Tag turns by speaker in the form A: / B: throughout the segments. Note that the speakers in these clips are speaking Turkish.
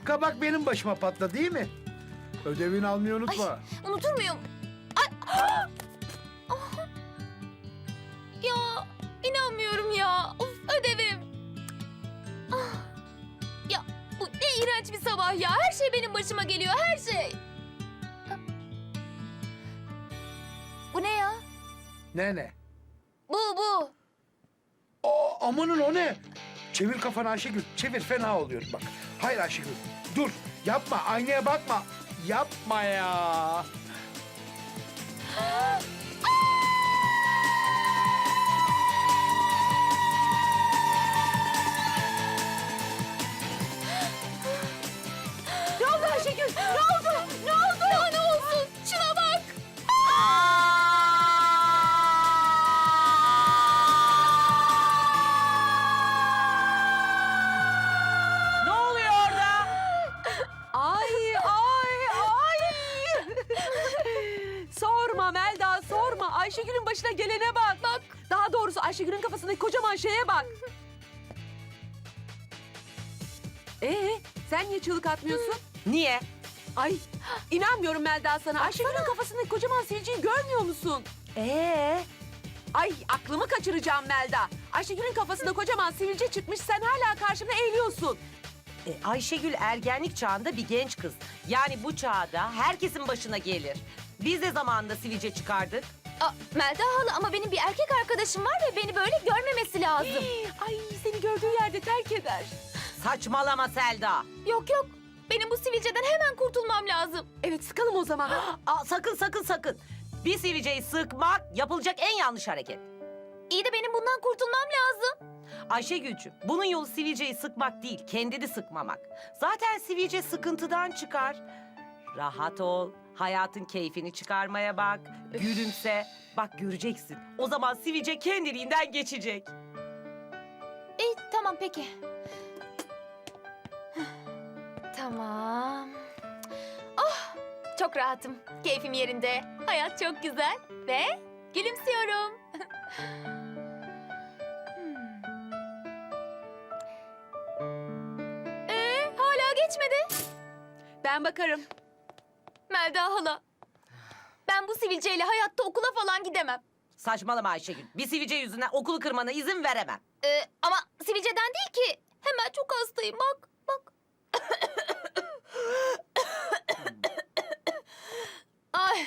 A: Kabak benim başıma patladı değil mi? Ödevini almayı unutma.
B: Ay, unutur muyum? Ay. Ah! Ya inanmıyorum ya. Of, ödevim. Ah. Ya bu ne iğrenç bir sabah ya. Her şey benim başıma geliyor, her şey. Bu ne ya?
A: Ne?
B: Bu.
A: Amanın o ne? Çevir kafanı Ayşegül. Çevir, fena oluyor bak. Hayır Ayşegül. Dur. Yapma. Aynaya bakma. Yapma ya.
B: Ne oldu Ayşegül? Ne oldu? Ne oldu? Daha ne olsun? Şuna bak.
C: Ne oluyor orada? Ay. Sorma Melda, sorma. Ayşegül'ün başına gelene bak. Bak. Daha doğrusu Ayşegül'ün kafasındaki kocaman şeye bak. Sen niye çığlık atmıyorsun?
D: Niye?
C: Ay, inanmıyorum Melda sana. Ayşegül'ün kafasındaki kocaman sivilceyi görmüyor musun? Ay, aklımı kaçıracağım Melda. Ayşegül'ün kafasında kocaman sivilce çıkmış, sen hala karşımda eğiliyorsun.
D: Ayşegül ergenlik çağında bir genç kız. Yani bu çağda herkesin başına gelir. Biz de zamanında sivilce çıkardık.
B: Melda hala ama benim bir erkek arkadaşım var ve beni böyle görmemesi lazım.
C: Ay, seni gördüğü yerde terk eder.
D: Saçmalama Selda.
B: Yok. Benim bu sivilceden hemen kurtulmam lazım.
C: Evet, sıkalım o zaman.
D: Sakın. Bir sivilceyi sıkmak yapılacak en yanlış hareket.
B: İyi de benim bundan kurtulmam lazım.
D: Ayşegül'cüm, bunun yolu sivilceyi sıkmak değil, kendini sıkmamak. Zaten sivilce sıkıntıdan çıkar. Rahat ol, hayatın keyfini çıkarmaya bak, gülümse. Bak göreceksin, o zaman sivilce kendiliğinden geçecek.
B: İyi tamam peki. Tamam. Oh çok rahatım. Keyfim yerinde. Hayat çok güzel. Ve gülümsüyorum. Hala geçmedi.
C: Ben bakarım.
B: Melda hala. Ben bu sivilceyle hayatta okula falan gidemem.
D: Saçmalama Ayşegül, bir sivilce yüzünden okulu kırmana izin veremem.
B: Ama sivilceden değil ki. Hemen çok hastayım bak. Ay.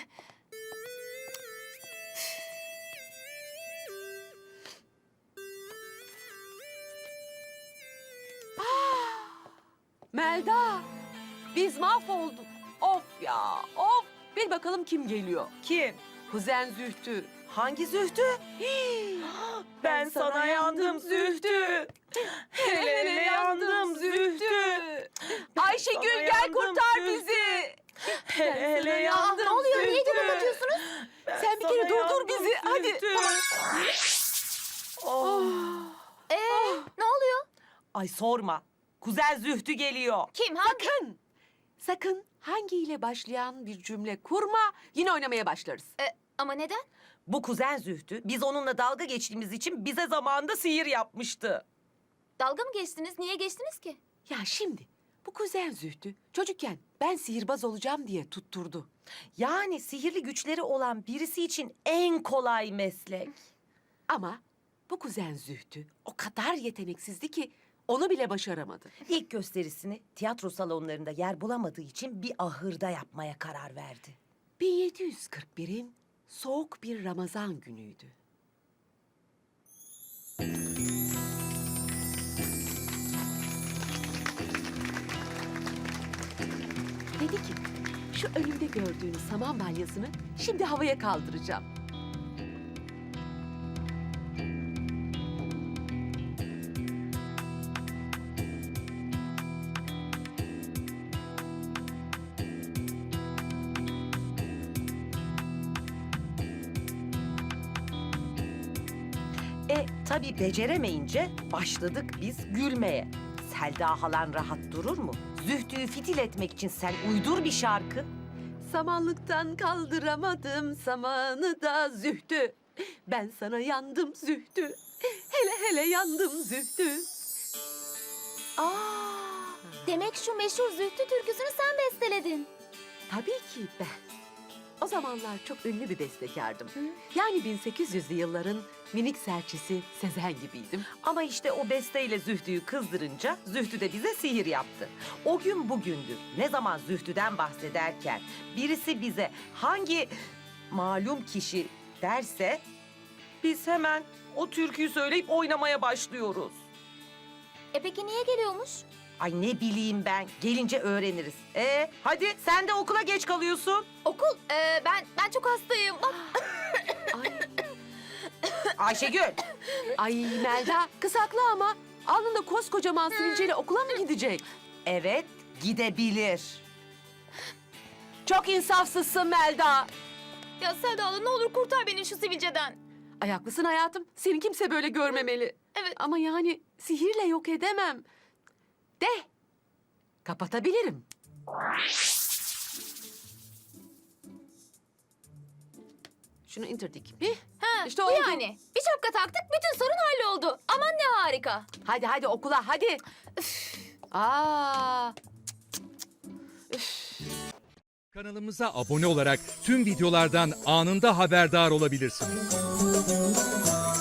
C: Melda, biz mahvolduk. Of ya, of. Bil bakalım kim geliyor?
D: Kim?
C: Kuzen Zühtü.
D: Hangi Zühtü? Ben sana yandım Zühtü. Hele yandım Zühtü.
C: Ayşegül
D: Sana
C: gel
D: yandım
C: kurtar
D: Zühtü.
C: bizi.
D: Hele
B: Aa,
D: yandım
B: ne oluyor? Niye
D: Zühtü.
B: göbek atıyorsunuz?
C: Sen bir kere durdur bizi. Hadi.
B: Ne oluyor?
D: Ay sorma. Kuzen Zühtü geliyor.
B: Kim? Hangi?
C: Sakın hangiyle başlayan bir cümle kurma. Yine oynamaya başlarız.
B: Ama neden?
D: Bu kuzen Zühtü biz onunla dalga geçtiğimiz için bize zamanında sihir yapmıştı.
B: Dalga mı geçtiniz? Niye geçtiniz ki?
C: Ya şimdi bu kuzen Zühtü çocukken ben sihirbaz olacağım diye tutturdu.
D: Yani sihirli güçleri olan birisi için en kolay meslek.
C: Ama bu kuzen Zühtü o kadar yeteneksizdi ki onu bile başaramadı.
D: İlk gösterisini tiyatro salonlarında yer bulamadığı için bir ahırda yapmaya karar verdi.
C: 1741'in soğuk bir Ramazan günüydü. Dedi ki, şu önümde gördüğünüz saman balyasını şimdi havaya kaldıracağım.
D: Tabii beceremeyince başladık biz gülmeye. Selda halan rahat durur mu? Zühtü'yü fitil etmek için sen uydur bir şarkı.
C: Samanlıktan kaldıramadım samanı da Zühtü. Ben sana yandım Zühtü. Hele hele yandım Zühtü.
D: Aa,
B: Demek şu meşhur Zühtü türküsünü sen besteledin.
C: Tabii ki ben. O zamanlar çok ünlü bir bestekardım. Yani 1800'lü yılların minik serçesi Sezen gibiydim.
D: Ama işte o besteyle Zühtü'yü kızdırınca Zühtü de bize sihir yaptı. O gün bugündür ne zaman Zühtü'den bahsederken birisi bize hangi malum kişi derse biz hemen o türküyü söyleyip oynamaya başlıyoruz.
B: Peki niye geliyormuş?
D: Ay ne bileyim ben, gelince öğreniriz. Hadi sen de okula geç kalıyorsun.
B: Okul, ben çok hastayım. Bak.
C: Ay,
D: Ayşegül.
C: ay Melda kız haklı ama alnında koskocaman sivilceyle okula mı gidecek?
D: Evet, gidebilir.
C: Çok insafsızsın Melda.
B: Ya Selda hala ne olur kurtar beni şu sivilceden.
C: Ay haklısın hayatım. Seni kimse böyle görmemeli.
B: Evet.
C: Ama yani sihirle yok edemem. De. Kapatabilirim. Şunu indirdik mi?
B: Ha,
C: İşte
B: bu
C: oldu.
B: yani. Bir şapka taktık, bütün sorun halloldu. Aman ne harika.
C: Hadi okula hadi. Aa.
E: Kanalımıza abone olarak tüm videolardan anında haberdar olabilirsiniz.